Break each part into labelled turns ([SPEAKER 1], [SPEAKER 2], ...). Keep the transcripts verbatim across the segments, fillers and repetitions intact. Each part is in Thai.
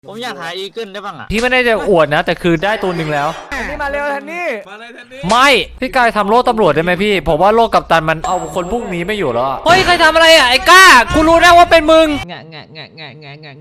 [SPEAKER 1] ผมอยากหาอีเกิลได้บ้างอ่ะ
[SPEAKER 2] พี่ไม่ได้จะอวดนะ แต่คือได้ตัวหนึ่งแล้ว
[SPEAKER 3] นี่มาเร็วทันนี่
[SPEAKER 4] มาเลยทันนี้
[SPEAKER 2] ไม่พี่กายทำโล่ตำรวจได้ไหมพี่ผมว่าโล่กัปตันมันเอาคนพวกนี้ไม่อยู่แล้วเฮ้ยใครทำอะไรอ่ะไอ้ก้ากูรู้นะว่าเป็นมึงงะงะงะงะงะงะ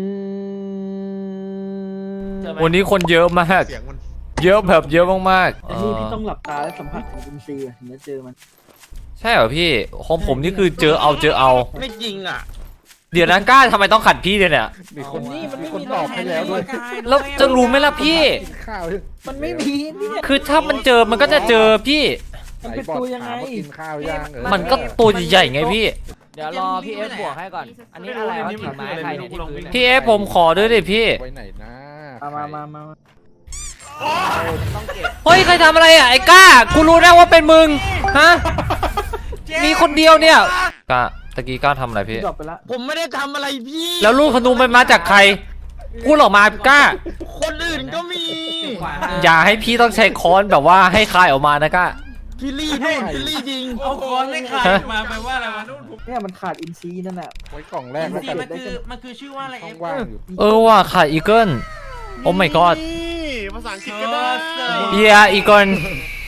[SPEAKER 2] วันนี้คนเยอะมากเยอะแบบเยอะมากๆ
[SPEAKER 5] แต่นี่พี่ต้องหลับตาและสัมผัสถึงอินทรีย์ถึงจะเจอมัน
[SPEAKER 2] ใช่เหรอพี่ของผมนี่คือเจอเอาเจอเอา
[SPEAKER 1] ไม่จริงอ่ะ
[SPEAKER 2] เดี๋ยวนะก้าทำไมต้องขัดพี่เนี่ย
[SPEAKER 5] มีคนนี่มันไม่มีตอบให้แล้วด้วย
[SPEAKER 2] แล้วจะรู้ไหมล่ะพี่
[SPEAKER 5] ข้าวมันไม่มีนี่
[SPEAKER 2] คือถ้ามันเจอมันก็จะเจอพี่
[SPEAKER 5] มันเป็นตัวยังไงกินข้าวย่าง
[SPEAKER 2] มันก็ตัวใหญ่ๆไงพี่
[SPEAKER 3] เดี๋ยวรอพี่เอฟบวกให้ก่อนอันนี้อะไรวะถือไม้ใครเนี่ยที่พื้น
[SPEAKER 2] พี่เอฟผมขอด้วยดิพี่
[SPEAKER 5] ไว้ไหนนะมามามา
[SPEAKER 2] เฮ้ยใครทำอะไรอ่ะไอ้ก้ากูรู้นะว่าเป็นมึงฮะมีคนเดียวเนี่ยก้าตะกี้ก้าทำอะไรพี่
[SPEAKER 1] ผมไม่ได้ทำอะไรพี่
[SPEAKER 2] แล้วลูกธนูมันมาจากใครพูดออกมาก้า
[SPEAKER 1] คนอื่นก็มี
[SPEAKER 2] อย่าให้พี่ต้องใช้ค้อนแบบว่าให้คายออกมานะก้า
[SPEAKER 1] พี่ลี่นู่นพี่ลี่จริง
[SPEAKER 4] เอาค้อนไม่ขาดมาแปลว่าอะไรวะนู่น
[SPEAKER 5] เนี่ยมันขาดอินซีนั่นแหละไว้กล่องแรก
[SPEAKER 4] มันคือมันคือชื่อว่าอะไร
[SPEAKER 5] ช่องว่างอยู่
[SPEAKER 2] เออว่าขาดอีเกิลโอ้ my god
[SPEAKER 4] ภาษาอังกฤษก็ได้
[SPEAKER 2] เยียอีเกิล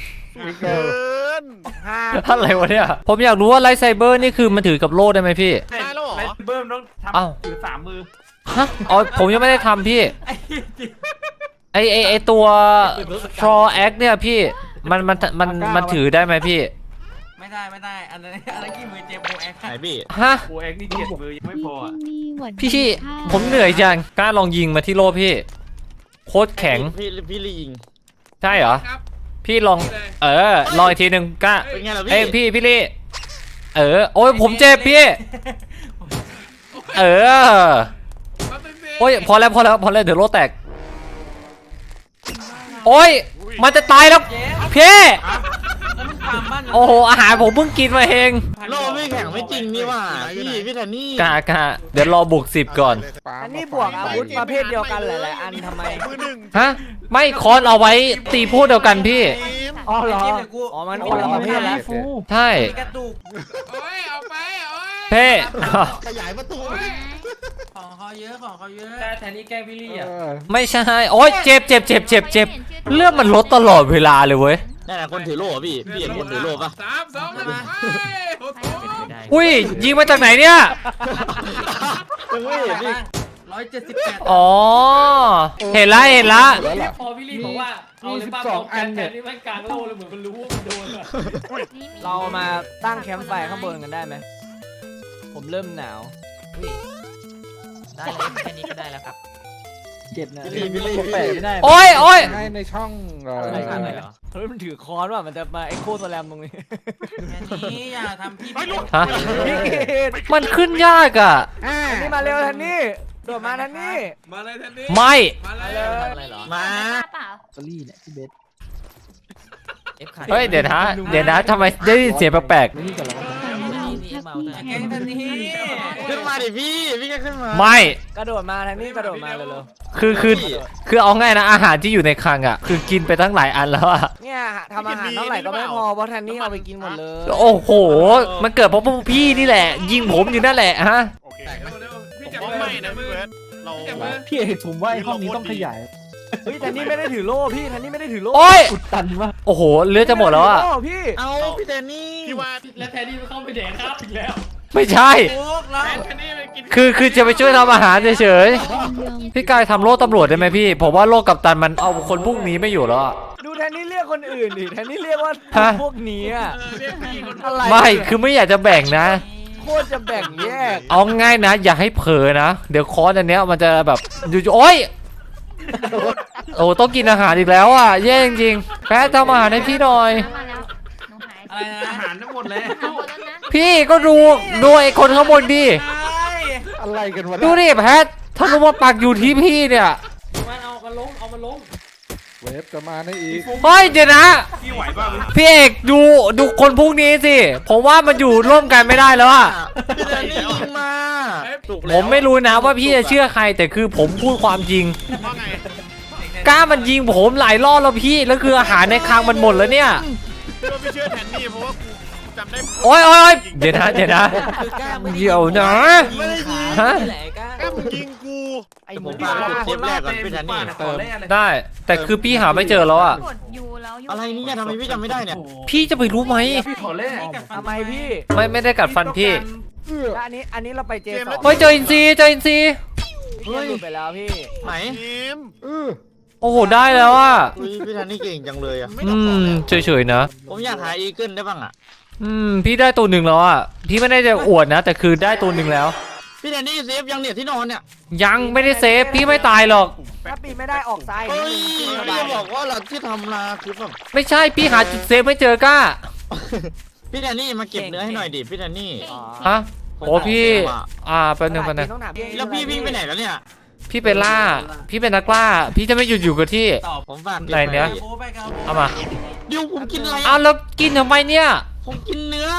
[SPEAKER 2] อะไรวะเนี่ยผมอยากรู้ว่าไลท์ไซเบอร์นี่คือมันถือกับโล่ได้ไหมพี่
[SPEAKER 4] ได้แล้วเหรอเบิ้มต้องทำถือสามมือ
[SPEAKER 2] ฮะอ๋อผมยังไม่ได้ทำพี่ไอไอไอตัวทรอแอคเนี่ยพี่มันมันมันมันถือได้ไหมพี่
[SPEAKER 4] ไม่ได้ไม่ได้อันนั้นอันนั้นกี่มือเจมโบแอค
[SPEAKER 1] ไหนพี่
[SPEAKER 2] ฮะ
[SPEAKER 4] โบแอคนี่เจ็ดมือยังไม่พอ
[SPEAKER 2] พี่ผมเหนื่อยจังกล้าลองยิงมาที่โล่พี่โคตรแข็ง
[SPEAKER 1] พี่พี่ลี่ยิง
[SPEAKER 2] ใช่เหรอพี่ลองเออลองอีกทีหนึ่งกล้า
[SPEAKER 1] เป็นไงล่ะพี่
[SPEAKER 2] เอ้พี่พี่ลี่เออโอ้ยผมเจ็บพี่เออโอ้ยพอแล้วพอแล้วพอแล้วเดี๋ยวโล่แตกโอ้ยมันจะตายแล้วพี่โอ้โหอาหารผมเพิ่งกินมาเอง
[SPEAKER 1] โลไม่แข็งไม่จริงนี่ว่าพี่พี่แทนนี่
[SPEAKER 2] กากาเดี๋ยวรอบวกสิบก่อน
[SPEAKER 3] อันนี้บวกอาวุธประเภทเดียวกันหลายๆอันทำไม
[SPEAKER 2] ฮะไม่คอนเอาไว้ตีพูดเดียวกันพี่
[SPEAKER 3] อ๋อเหรออ๋อมันคนละประเภทแล้ว
[SPEAKER 2] ใช่
[SPEAKER 4] กระตุกโอ้ยเอาไปโอ้ย
[SPEAKER 2] เพ่
[SPEAKER 1] ขยายประตู
[SPEAKER 4] ของเขาเยอะของเขาเยอะ
[SPEAKER 3] แต่แทนนี่แกล้งพี่ลี่อ่ะ
[SPEAKER 2] ไม่ใช่โอ้ยเจ็บเจ็บเจ็บเจ็บเจ็บเลือดมันลดตลอดเวลาเลยเว้ย
[SPEAKER 1] นั่นแหละคนถือโล่พี่พี่เห็นคนถือโล่ปะ
[SPEAKER 4] สามสองหนึ่ง
[SPEAKER 2] อุ้ยยิงมาจากไหนเนี่ย
[SPEAKER 1] ยังไม่เห็นพี่
[SPEAKER 4] ร้อยเจ็ดสิบแปด
[SPEAKER 2] อ๋อเห็นละเห็นละ
[SPEAKER 3] พอพี่ลี่บอกว่าเอาเลยป้าบอกอันเนี่ยนี่มันกลางโลเลยเหมือนมันรู้ว่ามันโดนอะเรามาตั้งแคมป์ไฟข้างบนกันได้ไหมผมเริ่มหนาว
[SPEAKER 6] ได้เลยแค่นี้ก็ได้แล้วครับ
[SPEAKER 5] เจ็บนะ
[SPEAKER 1] พี่ลี่พี่
[SPEAKER 5] ลี่
[SPEAKER 1] ไม่ได้
[SPEAKER 2] โอ้ยโอ้ย
[SPEAKER 5] ในช่อง
[SPEAKER 3] อะไรกันเหรอเฮ้ยมันถือค้อนว่ะมันจะมาไอ้โคตรแรมตรงนี้
[SPEAKER 4] แค่นี้อย่าทำพี่
[SPEAKER 2] ฮะมันขึ้นยากอ่ะ
[SPEAKER 3] นี่มาเร็วทันนี่โดดมาทันนี่
[SPEAKER 4] มาเลยทันนี้
[SPEAKER 2] ไม่
[SPEAKER 4] มาเลย
[SPEAKER 6] อะไรเหรอ
[SPEAKER 1] มา
[SPEAKER 5] สลี่เนี่ยพี่เบส
[SPEAKER 2] เฮ้ยเดี๋ยวนะเดี๋ยวนะทำไมได้ยินเสียงแปลก
[SPEAKER 5] นี่กับเรา
[SPEAKER 4] แกงทันนี้
[SPEAKER 1] ขึ้นมาดิพี่พี่ก็ขึ้นมา
[SPEAKER 2] ไม่
[SPEAKER 3] กระโดดมาทันนี่กระโดดมาเร็ว
[SPEAKER 2] ๆคือคือคือเอาง่ายนะอาหารที่อยู่ในคลังอ่ะคือกินไปตั้งหลายอันแล้วอ่ะ
[SPEAKER 3] เนี่ยทำอาหารเท่าไหร่ก็ไม่พอเพราะทันนี่เอาไปกินหมดเลย
[SPEAKER 2] โอ้โหมันเกิดเพราะพวกพี่นี่แหละยิงผมอยู่นั่นแหละฮะ
[SPEAKER 4] พี่จับไม่นะมือเรา
[SPEAKER 5] พี่เอกผมว่าไอ้ห้องนี้ต้องขยาย
[SPEAKER 3] เฮ้ยทันนี่ไม่ได้ถือโล่พี่ทันนี่ไม่ได้ถือโล่
[SPEAKER 2] โอ้ย
[SPEAKER 5] อุดตันวะ
[SPEAKER 2] โอ้โหเลือดจะหมดแล้วอ่ะ
[SPEAKER 3] พี่
[SPEAKER 1] เอาพี่แทนนี่
[SPEAKER 4] พี่ว่า
[SPEAKER 6] แล้วแทนนี่เข้าไปแดกครับอีกแล้ว
[SPEAKER 2] ไม่ใช่คือคือจะไปช่วยทำอาหารเฉยๆพี่กายทำโล่ตำรวจได้ไหมพี่ผมว่าโล่กัปตันมันเอาคนพวกนี้ไม่อยู่แล้ว
[SPEAKER 3] ดูแทนนี่เรียกคนอื่นดิแทนนี่เรียกว่าพวกนี้อะ
[SPEAKER 2] อะไรไม่คือไม่อยากจะแบ่งนะ
[SPEAKER 3] โคตรจะแบ่งแยก
[SPEAKER 2] เอาง่ายนะอย่าให้เผลอนะเดี๋ยวคอร์สอันเนี้ยมันจะแบบอยู่โอ๊ยโอ้ต้องกินอาหารอีกแล้วอ่ะแย่จริงๆแพ้ทำอาหารให้พี่หน่อย
[SPEAKER 4] อะไรนะอาหารทั้งหมดเลย
[SPEAKER 2] พี่ก็ดูดูไอ้คนข้างบนดิ
[SPEAKER 5] อะไรกันวะ
[SPEAKER 2] ดูดิแพทถ้ารู้ว่าปักอยู่ที่พี่เนี่ย
[SPEAKER 3] มันเอามาลงเอามาลง
[SPEAKER 5] เวฟจะมาในอีก
[SPEAKER 2] เฮ้ยเดี๋ยวนะ
[SPEAKER 4] พี่ไหวป่ะ
[SPEAKER 2] พี่เอกดูดูคนพวกนี้สิผมว่ามันอยู่ร่วมกันไม่ได้แล้วอ่ะ
[SPEAKER 1] พี่แทนนี่ยิงมา
[SPEAKER 2] ผมไม่รู้นะว่าพี่จะเชื่อใครแต่คือผมพูดความจริงกล้ามันยิงผมหลายรอบแล้วพี่แล้วคืออาหารในคลังมันหมดแล้วเนี่ย
[SPEAKER 4] ไม่เชื่อแทนนี่เพราะว่ากูจำได้
[SPEAKER 2] โอ้ยโอ้ยเดี๋ยวนะเดี๋ยวนะเดี๋ยวนะฮะ
[SPEAKER 4] กล้ามึงยิงกู
[SPEAKER 3] ไอ้
[SPEAKER 1] แต่
[SPEAKER 3] ห
[SPEAKER 1] ผ
[SPEAKER 3] มู
[SPEAKER 1] ม
[SPEAKER 3] ป่า
[SPEAKER 1] มาจุดเทปแรกก่อนพี่แทนนี่
[SPEAKER 4] ต่อแรกเลย
[SPEAKER 2] ได้ แต่คือพี่หาไม่เจอแล้วอ่ะ
[SPEAKER 7] กดยูแล้วยู
[SPEAKER 1] อะไรเนี่ยทำไมพี่จำไม่ได้เนี่ย
[SPEAKER 2] พี่จะไปรู้ไหม
[SPEAKER 5] พี่ขอแรก
[SPEAKER 3] ทำไมพี่
[SPEAKER 2] ไม่ไม่ได้กัดฟันพี่
[SPEAKER 3] แล้วอันนี้อันนี้เราไปเจสอง
[SPEAKER 2] เฮ้ยเจออินซีเจออินซี
[SPEAKER 3] พี่หลุดไปแล้วพี่
[SPEAKER 1] ไหน
[SPEAKER 5] เออ
[SPEAKER 2] โอ้โหได้แล้วอ่ะ
[SPEAKER 1] อุ้ยพี่แทนนี่เก่งจังเลยอ่ะ
[SPEAKER 2] อืมเฉยๆนะ
[SPEAKER 1] ผมอยากหาอีเกิลได้บ้างอ่ะ
[SPEAKER 2] อืมพี่ได้ตัวหนึ่งแล้วอ่ะพี่ไม่ได้จะอวดนะ แต่คือได้ตัวหนึ่งแล้ว
[SPEAKER 1] พี่แทนนี่เซฟยังเนี่ยที่นอนเนี่ย
[SPEAKER 2] ยังไม่ได้เซฟพี่ไม่ตายหรอก
[SPEAKER 3] ถ้าปีนไม่ได้ออกซ้าย
[SPEAKER 1] เฮ้ย
[SPEAKER 3] นิดนึง
[SPEAKER 1] พี่จะบอกว่าหลังที่ทำมาคือแบบ
[SPEAKER 2] ไม่ใช่พี่หาจุดเซฟไม่เจอกล้า
[SPEAKER 1] พี่แทนนี่มาเก็บเนื้อให้หน่อยดิพี่แทนนี่
[SPEAKER 3] อ๋อ
[SPEAKER 2] ฮะโอ้พี่อ่าแป๊บนึงแป๊บนึง
[SPEAKER 3] ต้องถามพี่
[SPEAKER 1] แล้วพี่วิ่งไปไหนแล้วเนี่ย
[SPEAKER 2] พี่เป็นล่า พี่เป็นนักล่า พี่จะไม่หยุดอยู่กับที่
[SPEAKER 4] ตอบ
[SPEAKER 1] ผมฝากก็บ
[SPEAKER 2] ไหนเนี่ย
[SPEAKER 1] ว้
[SPEAKER 4] โอ้ไปครับ
[SPEAKER 2] เอามา
[SPEAKER 1] เดี๋ยวผมกินอะไร
[SPEAKER 2] เอาแล้วกินทำไมเนี่ย
[SPEAKER 1] ผมกินเนื้อก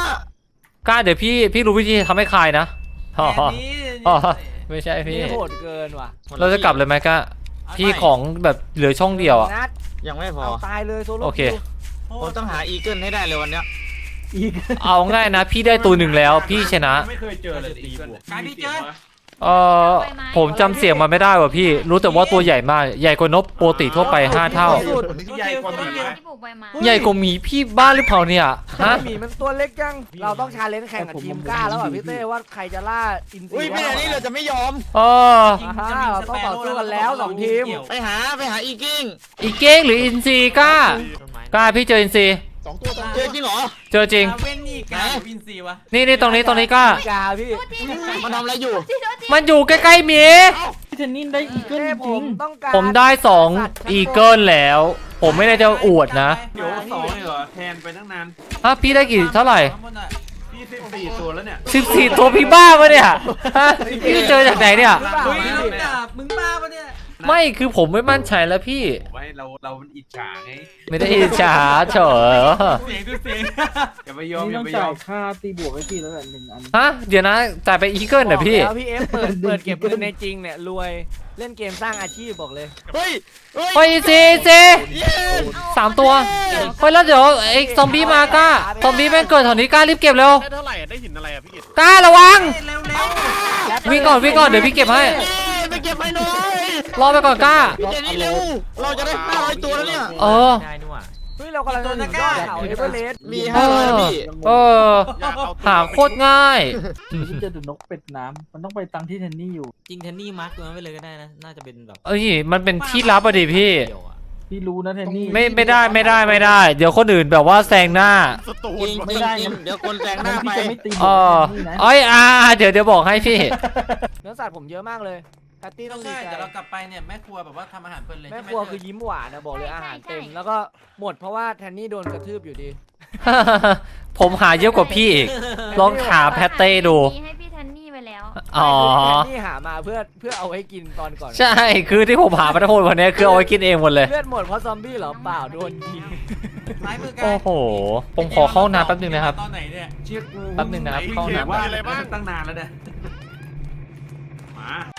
[SPEAKER 2] ล้าเดี๋ยวพี่พี่รู้วิธีทำให้คลายนะอ๋อ
[SPEAKER 4] แอนนี้
[SPEAKER 2] อ๋อไม่ใช่พี่
[SPEAKER 3] นี่โหดเกินว่ะ
[SPEAKER 2] เราจะกลับเลยไหมก้าพี่ของแบบเหลือช่องเดียวอ่ะ
[SPEAKER 3] นัด
[SPEAKER 1] ยังไม่พอ
[SPEAKER 3] เอาตายเลยโซโล่
[SPEAKER 2] โอเค
[SPEAKER 3] คิว
[SPEAKER 1] ผมต้องหาอีเกิลให้ได้เลยวันเนี้ย
[SPEAKER 5] อีก
[SPEAKER 2] เอาง่ายนะ พี่ได้ตัวหนึ่งแล้วพี่ชนะ
[SPEAKER 8] ไม่เคยเจอเลยตีบวก
[SPEAKER 4] กายพี่เจอ
[SPEAKER 2] เออผมจำเสียงมันไม่ได้ว่ะพี่ รู้แต่ว่าตัวใหญ่มาก ใหญ่กว่านกปกติทั่วไปห้าเท่า
[SPEAKER 8] ที่ใหญ่กว่าหมีไหม
[SPEAKER 7] ที่ปลูกใบไม้
[SPEAKER 2] ใหญ่กว่าหมีพี่บ้าหรือเปล่าเนี่ยฮะ
[SPEAKER 3] หมีมันตัวเล็กจัง เราต้องชาเลนจ์แข่งกับทีมกล้าแล้วอ่ะพี่เต้ว่าใครจะล่าอินซี
[SPEAKER 1] อุ้ยพี่แทนนี่เราจะไม่ยอม
[SPEAKER 2] เออ
[SPEAKER 3] อ่าฮะเราต้องต่อสู้กันแล้วสองทีม
[SPEAKER 1] ไปหาไปหาอีกิ้ง
[SPEAKER 2] อีเก้งหรืออินซีกล้า กล้าพี่เจออินซี
[SPEAKER 5] สองตัวสอง
[SPEAKER 1] เจอจริงเหรอ
[SPEAKER 2] เจอจริง
[SPEAKER 4] เว้นนี่กายวินซีวะ
[SPEAKER 2] นี่นี่ตรงนี้ตรงนี้กล้า
[SPEAKER 3] กาพี่
[SPEAKER 1] มันทำอะไรอยู่
[SPEAKER 2] มันอยู่ใกล้ๆหมี
[SPEAKER 5] พี่เทนนินได้อีเกิล
[SPEAKER 3] เต้
[SPEAKER 5] จ
[SPEAKER 3] ผ
[SPEAKER 5] ริ
[SPEAKER 3] ม
[SPEAKER 5] ง
[SPEAKER 3] ต้องการ
[SPEAKER 2] ผมได้สองอีเกิลแล้ว ผมไม่ได้จะอวดนะ
[SPEAKER 8] เดี๋ยวสองเลยเหรอแทนไปตั้งนาน
[SPEAKER 2] ฮะพี่ได้กี่เท่าไหร่
[SPEAKER 4] ข้างบนน่ะ
[SPEAKER 8] พี่สิบสี่ตัวแล้วเนี่ย
[SPEAKER 2] สิบสี่ตัวพี่บ้าปะเนี่ยฮะพี่เจอจากไหนเนี่ย
[SPEAKER 4] เฮ้ยลูกดาบมึงบ้าปะเนี่ย
[SPEAKER 2] ไม่คือผมไม่มั่นใจแล้วพี่
[SPEAKER 8] ไว้เราเรามันอิจฉาไง
[SPEAKER 2] ไม่ได้อิจฉาเฉย
[SPEAKER 4] เสียงดูเสียง
[SPEAKER 8] อย่าไปยอม
[SPEAKER 5] นี่
[SPEAKER 8] อย่า
[SPEAKER 5] ต้อง
[SPEAKER 8] ไปย
[SPEAKER 5] จ่า
[SPEAKER 8] อย ม
[SPEAKER 5] ค่าตีบวกไว้พี่แล้วแหละหนึ่งอัน
[SPEAKER 2] ฮะเดี๋ยวนะจ่ายไปอีเกิลเหรอพี่
[SPEAKER 3] แล้วพี่เอฟเปิดเปิดเก็บเงินในจริงเนี่ยรวยเล่นเกมสร้างอาชีพบอกเลย
[SPEAKER 1] เฮ้ยเฮ้ย
[SPEAKER 2] ไปซีซี
[SPEAKER 1] เย้
[SPEAKER 2] สามตัวเฮ้ยแล้วเดี๋ยวไอ้ซอมบี้มากล้าซอมบี้แม่งเกิดแถวนี้กล้ารีบเก็บเร็ว
[SPEAKER 8] ได้เท่าไหร่ได้หินอะไรอ่ะพี่กิต
[SPEAKER 2] กล้าระวัง
[SPEAKER 4] เร็วเร็ว
[SPEAKER 2] วิ่งก่อนวิ่งก่อนเดี๋ยวพี่เก็บให้
[SPEAKER 1] เย้ไปเก็บไปหน่อย
[SPEAKER 2] รอไปก่อนกล้า
[SPEAKER 1] พี่เจนี่เร็ว เราจะได้ห้าร้อยตัวแล้วเนี่ย
[SPEAKER 2] เออ
[SPEAKER 6] ได้นี่หว่า
[SPEAKER 3] เฮ้ยเรากำลังจะถึงยอดเขาเอเวอเรสต์
[SPEAKER 1] มีห้าร้อยแล้วพี่
[SPEAKER 2] เออ
[SPEAKER 8] อยากเอา
[SPEAKER 2] หาโคตรง่าย
[SPEAKER 5] พี่เจอแต่นกเป็ดน้ำมันต้องไปตังที่เทนนี่อยู่
[SPEAKER 6] จริงเทนนี่มาร์กตัวนั้นไปเลยก็ได้นะ น่าจะเป็นแบบ
[SPEAKER 2] เอ้ยมันเป็นที่ลับอะดิพี่
[SPEAKER 6] เดียวอะ
[SPEAKER 5] พี่รู้นะเทนนี่
[SPEAKER 2] ไม่ไม่ได้ไม่ได้ไม่ได้ เดี๋ยวคนอื่นแบบว่าแซงหน้า
[SPEAKER 8] สตู
[SPEAKER 1] จ
[SPEAKER 8] น
[SPEAKER 1] ริง
[SPEAKER 8] วะ
[SPEAKER 1] จริงจริงเดี๋ยวคนแซงหน้า
[SPEAKER 5] พี่
[SPEAKER 1] ไป
[SPEAKER 5] จะไม่ตีบ
[SPEAKER 2] เอ
[SPEAKER 5] วก
[SPEAKER 2] อ
[SPEAKER 5] เทนนี่นะ
[SPEAKER 2] เอ้ยอ่าเดี๋ยวเดี๋ยวบอกให้พี่
[SPEAKER 3] เนื้อสัตว์ผมเยอะมากเลยแพตตี้ต้องดี
[SPEAKER 4] ใช่
[SPEAKER 3] ใจ
[SPEAKER 4] เดี๋ยวเรากลับไปเนี่ยแม่ครัวแบบว่าทำอาหารเพลินเลย
[SPEAKER 3] แม่ครัวคือยิ้มหวานนะบอกเลยอาหารเต็มแล้วก็หมดเพราะว่าแทนนี่โดนกระทืบอยู่ดี
[SPEAKER 2] ผมหาเยอะกว่าพี่อีก ลองถามแพตเต้ดู
[SPEAKER 7] มีให้พี่แทนนี่ไปแล้ว
[SPEAKER 2] อ๋อ
[SPEAKER 3] แทนนี่หามาเพื่อเพื่อเอาไว้กินตอนก่อน
[SPEAKER 2] ใช่ คือที่ผมหามาทั้งหมดวันนี้คือเอาไว้กินเองหมดเลย
[SPEAKER 3] เลือดหมดเพราะซอมบี้เหรอเปล่าโดนยิง
[SPEAKER 4] ซ้ายมือกาย
[SPEAKER 2] โอ้โห ผมขอเข้าห้องน้ำแป๊บนึงนะครับ
[SPEAKER 4] ตอนไหนเนี่ย
[SPEAKER 8] เชี่ยกู
[SPEAKER 2] แป๊บนึงนะครับ
[SPEAKER 8] พี่
[SPEAKER 2] เข้าห้อง
[SPEAKER 8] เขีย
[SPEAKER 2] น้ำ
[SPEAKER 8] ว่าอะไรบ้างตั้งนานแล้วเนี่ยมา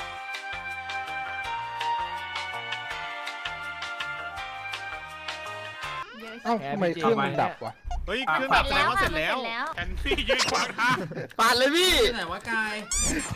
[SPEAKER 7] เยอะ
[SPEAKER 5] เอ้าทำไมเครื่องมันดับวะ
[SPEAKER 8] เฮ้ยเครื่องดับแสดงว่าเสร็จแล้ว
[SPEAKER 7] เสร็จแล้ว
[SPEAKER 8] แอนซี่ยืนขวางทาง
[SPEAKER 1] ปาดเลยพี่
[SPEAKER 4] ที่ไหนวะกาย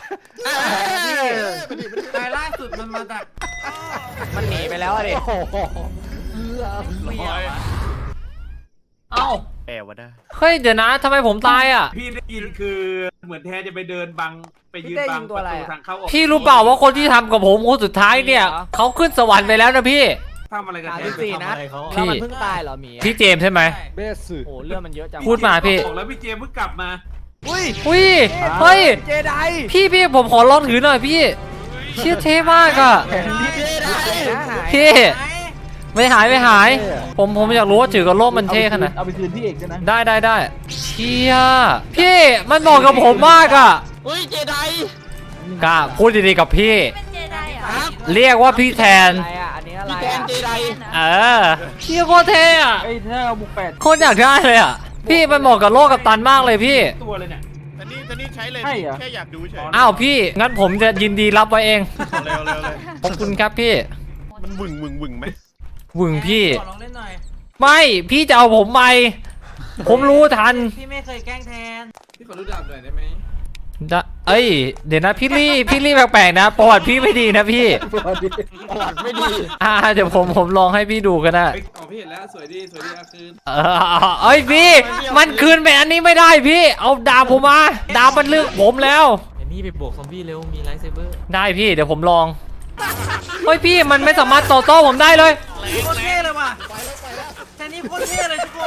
[SPEAKER 4] กายล่าสุดมันมาจาก
[SPEAKER 3] มันหนีไปแล้วอะดิ
[SPEAKER 5] โอ้โห
[SPEAKER 4] เมียวะ
[SPEAKER 2] เอ้า
[SPEAKER 8] แปลว่าได้
[SPEAKER 2] เฮ้ย เดี๋ยวนะทำไมผมตายอ่ะ
[SPEAKER 8] พี่ได้ยินคือเหมือนแทนจะไปเดินบังไปยืนบังประตูทางเข้าออก
[SPEAKER 2] พี่รู้เปล่าว่าคนที่ทำกับผมคนสุดท้ายเนี่ย เขาขึ้นสวรรค์ไปแล้วนะพี่
[SPEAKER 8] ทำอะไรกัน
[SPEAKER 3] สาม
[SPEAKER 8] แท
[SPEAKER 3] สิ
[SPEAKER 8] น
[SPEAKER 3] บสี่นัด
[SPEAKER 2] พี่
[SPEAKER 3] แล้วมันเพิ่งตายเหรอหมีอะ
[SPEAKER 2] พี่เจมส์ใช่ไหม
[SPEAKER 5] เบสสึ
[SPEAKER 3] โอ้เลือดมันเยอะจัง
[SPEAKER 2] พูดมาพี่
[SPEAKER 8] บอกแล้วพี่เจมส์เพิ่งกลับมา
[SPEAKER 3] อุ้ย
[SPEAKER 2] อุ้ย เฮ้ย
[SPEAKER 3] เจได
[SPEAKER 2] พี่พี่ผมขอลองถือหน่อยพี่ เชี่ยเท่มากอ่ะ
[SPEAKER 1] พี่เจได้
[SPEAKER 3] นะหาย
[SPEAKER 2] พี่
[SPEAKER 4] ไหน
[SPEAKER 2] ไม่หายไม่หาย ผมผมอยากรู้ว่าถือกับโลกมันเท่ขนาดไหน
[SPEAKER 5] เอาไปคืนพี่เอกใช่ไหม
[SPEAKER 2] ได้ได้ได้เชี่ยพี่มันเหมาะกับผมมากอ่ะ
[SPEAKER 1] เฮ้ยเจได
[SPEAKER 2] กล้าพูดดีๆกับพี่
[SPEAKER 7] เป็นเจไดเหรอ
[SPEAKER 1] ครับ
[SPEAKER 2] เรียกว่าพี่แทน
[SPEAKER 3] อะไรอ่ะอันนี้อะไร
[SPEAKER 1] พี่แทน
[SPEAKER 3] อ่ะ
[SPEAKER 1] เจได
[SPEAKER 2] เออเชี่ยโคตรเท่อะ
[SPEAKER 5] ไอ้ยถ้าเอาบุกแปด
[SPEAKER 2] โคตรอยากได้เลยอ่ะ พี่มันเหมาะกับโลกกับตันมากเลยพี่
[SPEAKER 8] ตัวเลยเนี่ยแต่นี่แต่นี่ใช้เลย
[SPEAKER 5] ใช่เหรอ
[SPEAKER 8] แค่อยากดูเฉย
[SPEAKER 2] อ้าวพี่ งั้นผมจะยินดีรับไว้เอง
[SPEAKER 8] เร็วเร็วเลย
[SPEAKER 2] ขอบคุณครับพี่
[SPEAKER 8] มันวึ่งวึ่งวึ่งไหม
[SPEAKER 2] วึงพี่
[SPEAKER 4] ขอลองเล่นหน่อย
[SPEAKER 2] ไม่พี่จะเอาผมไป ผมรู้ทัน
[SPEAKER 4] พี่ไม่เคยแกล้งแทน
[SPEAKER 1] พี่ขอรู้ดับหน่อยได้ไหม
[SPEAKER 2] จะเอ้ยเดี๋ยวนะพี่ลี่พี่ลี่แปลกๆนะประวัติพี่ไม่ดีนะพี่
[SPEAKER 1] ประวัติไม่ดี
[SPEAKER 2] อ่าเดี๋ยวผมผมลองให้พี่ดูกันนะ
[SPEAKER 8] เฮ้ยอ๋อพี่เห็นแล้วสวยดีสวยดีอ่ะคือ
[SPEAKER 2] เออเอ้ยพี่มันคืนไปอันนี้ไม่ได้พี่เอาดาบผมมาดาบมันเลือกผมแล้ว
[SPEAKER 6] เดี๋ยวนี่ไปบวกซอมบี้เร็ว มีไลท์เซเบอร์
[SPEAKER 2] ได้พี่เดี๋ยวผมลองเฮ้ยพี่มันไม่สามารถต่อโต้ผมได้เลย
[SPEAKER 4] โคตรเท่เลยว่ะแค่นี้โคตรเท่เลยทุกคน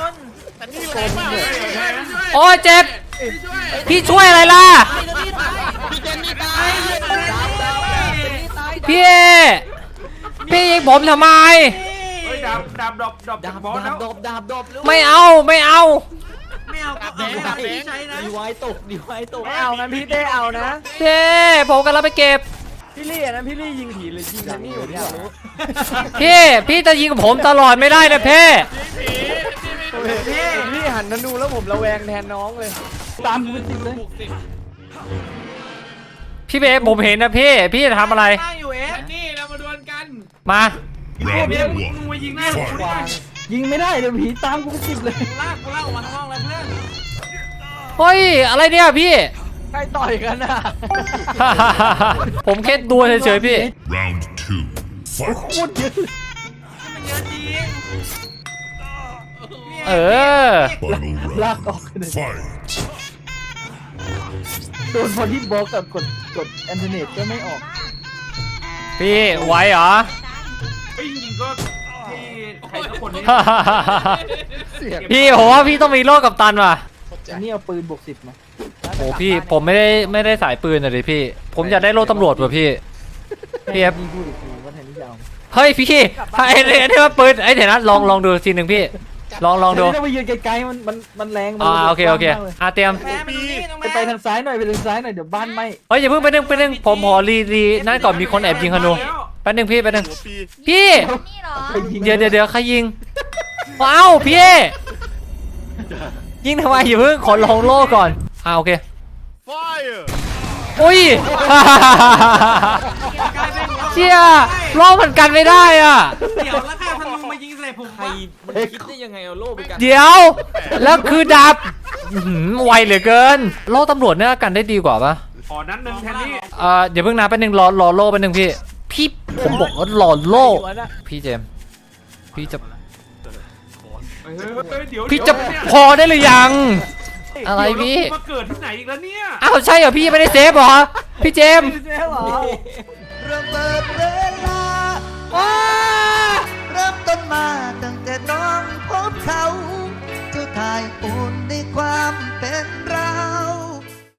[SPEAKER 2] โอ้ยเจ็บพี่ช่วยอะไรล่ะ
[SPEAKER 1] พี่เจนนี่ตาย
[SPEAKER 2] พี่พี่ยิงผมทำไม
[SPEAKER 8] เฮ้ยดาบดาบดอบดอบจากบอสแล้ว
[SPEAKER 6] ดบดาบดบ
[SPEAKER 2] ไม่เอาไม่เอา
[SPEAKER 4] ไม่เอาก็เอาดาบที่ใช้นะ
[SPEAKER 6] ดีไว้ตกดีไว้ตก
[SPEAKER 3] ไม่เอางั้นพี่เต้เอานะ
[SPEAKER 2] เท่ผมกำลังไปเก็บ
[SPEAKER 3] พี่ลี่อันนั้นพี่ลี่ยิงผีหรือยิงแทนนี่ผมอยากรู้
[SPEAKER 2] พี่พี่จะยิงผมตลอดไม่ได้นะเพ่
[SPEAKER 3] ผมเห็นพี่พี่หันมาดูแล้วผมระแวงแทนน้องเลย
[SPEAKER 5] ตามกูติดเลย
[SPEAKER 2] พี่เบผมเห็นนะพี่พี่จะทำอะไร
[SPEAKER 4] ตั้งอยู่เอฟ
[SPEAKER 8] นี่เรามาดวลกัน
[SPEAKER 2] มา
[SPEAKER 8] เดี๋ยวมึงมายิงหน้าผมดิ
[SPEAKER 5] ยิงไม่ได้เดี๋ยวผีตามกูติดเลย
[SPEAKER 4] กูลากกูลากออกมาข้างนอกแล้วเพื่อน
[SPEAKER 2] เฮ้ยอะไรเนี่ยพี่
[SPEAKER 3] ใครต่อยกันน่ะ
[SPEAKER 2] ผมแค่ดูเฉยๆพี่
[SPEAKER 9] Round two.
[SPEAKER 5] โค
[SPEAKER 9] Fight.
[SPEAKER 5] ตรเยอะเลย
[SPEAKER 4] มันเยอะจริง
[SPEAKER 2] เออ
[SPEAKER 9] Final
[SPEAKER 5] ลาก
[SPEAKER 9] round.
[SPEAKER 5] ออกเลย
[SPEAKER 9] Fight.
[SPEAKER 5] โดนพอที่บล็อกกับกดกดแอนเทอร์เน็ตก็ไม่ออก
[SPEAKER 2] พี่ไหวเหรอ
[SPEAKER 8] ไอ้ยยิงก็ที่ใครสักคนนี้
[SPEAKER 2] พี่ผมว่าพี่ต้องมีโล่กับตันว่ะ
[SPEAKER 5] อันนี้เอาปืนบวกสิบมา
[SPEAKER 2] โอ้พี่ผมไม่ได้ไม่ได้สายปืนอะดิพี่ ผมอยากได้โล่ตำรวจว่ะพี่พี่เอฟ
[SPEAKER 5] นี่พูดอีกทีว่าแทนที่จะเอา
[SPEAKER 2] เฮ้ยพี่ไอ้ไอ้นี่ว่าปืนไอ้เดี๋ยวนะลองลองดูทีหนึ่งพี่ ลองลองดู
[SPEAKER 5] แทนที่จะไปยืนไกลๆมันมันมันแรง
[SPEAKER 2] อ่าโอเคโอเคอ่ะเตรียม
[SPEAKER 4] แม่มาดูนี่น้อง
[SPEAKER 5] ไป
[SPEAKER 4] แม่
[SPEAKER 5] ไปทางซ้ายหน่อยไปทางซ้ายหน่อยเดี๋ยวบ้านไหม้
[SPEAKER 2] เฮ้ยอย่าเพิ่งไปนึงไปนึงผมขอรีรีนั่นก่อนมีคนแอบยิงธนูแป๊บนึงพี่แป๊บนึงพี่
[SPEAKER 7] นี่เหรอ
[SPEAKER 5] ไปยิง
[SPEAKER 2] เดี๋ยวเดี๋ยวเดี๋ยวใครยิงว้าวพี่ยิงทำไมอย่าเพิ่งขอลองโล่ก่อนอ่าโอเคอุ้ย เชี่ยโล่มันกันไม่ได้อ่ะ
[SPEAKER 4] เดี๋ยวแล้วใครเอาธนูมายิงใส่ผม
[SPEAKER 6] ใคร
[SPEAKER 4] วะ
[SPEAKER 6] มันคิดได้ยังไงเอาโล่ไปกัน
[SPEAKER 2] เดี๋ยว แล้วคือดับอื้อหือไวเหลือเกินโล่ตำรวจเนี่ยกันได้ดีกว่าปะ
[SPEAKER 8] อ๋อนั้นหนึ่งแทนนี่
[SPEAKER 2] เอ่อเดี๋ยวเพิ่งนับแป๊บนึงรอรอโล่แป๊บนึงพี่พี่ผมบอกว่ารอโล่พี่เจมส์พี่จะ
[SPEAKER 8] เฮ้ยเฮ้ยเฮ้ยเดี๋ยว
[SPEAKER 2] พี่จะ
[SPEAKER 8] เดี๋ยวเนี่ย
[SPEAKER 2] พอได้หรือยัง อะไรพี่
[SPEAKER 8] เดี๋ยวเรามาเกิดที่ไหนอีกแล้วเนี่ย
[SPEAKER 2] อ้าวใช่เหรอพี่ไม่ได้เซฟเหรอพี่เจมส์
[SPEAKER 3] เจ๊เหรอ
[SPEAKER 10] เริ่มเปิดเวลาเริ่มต้นมาตั้งแต่น้องพบเขา เจ้าทายอุ่นในความเป็นเรา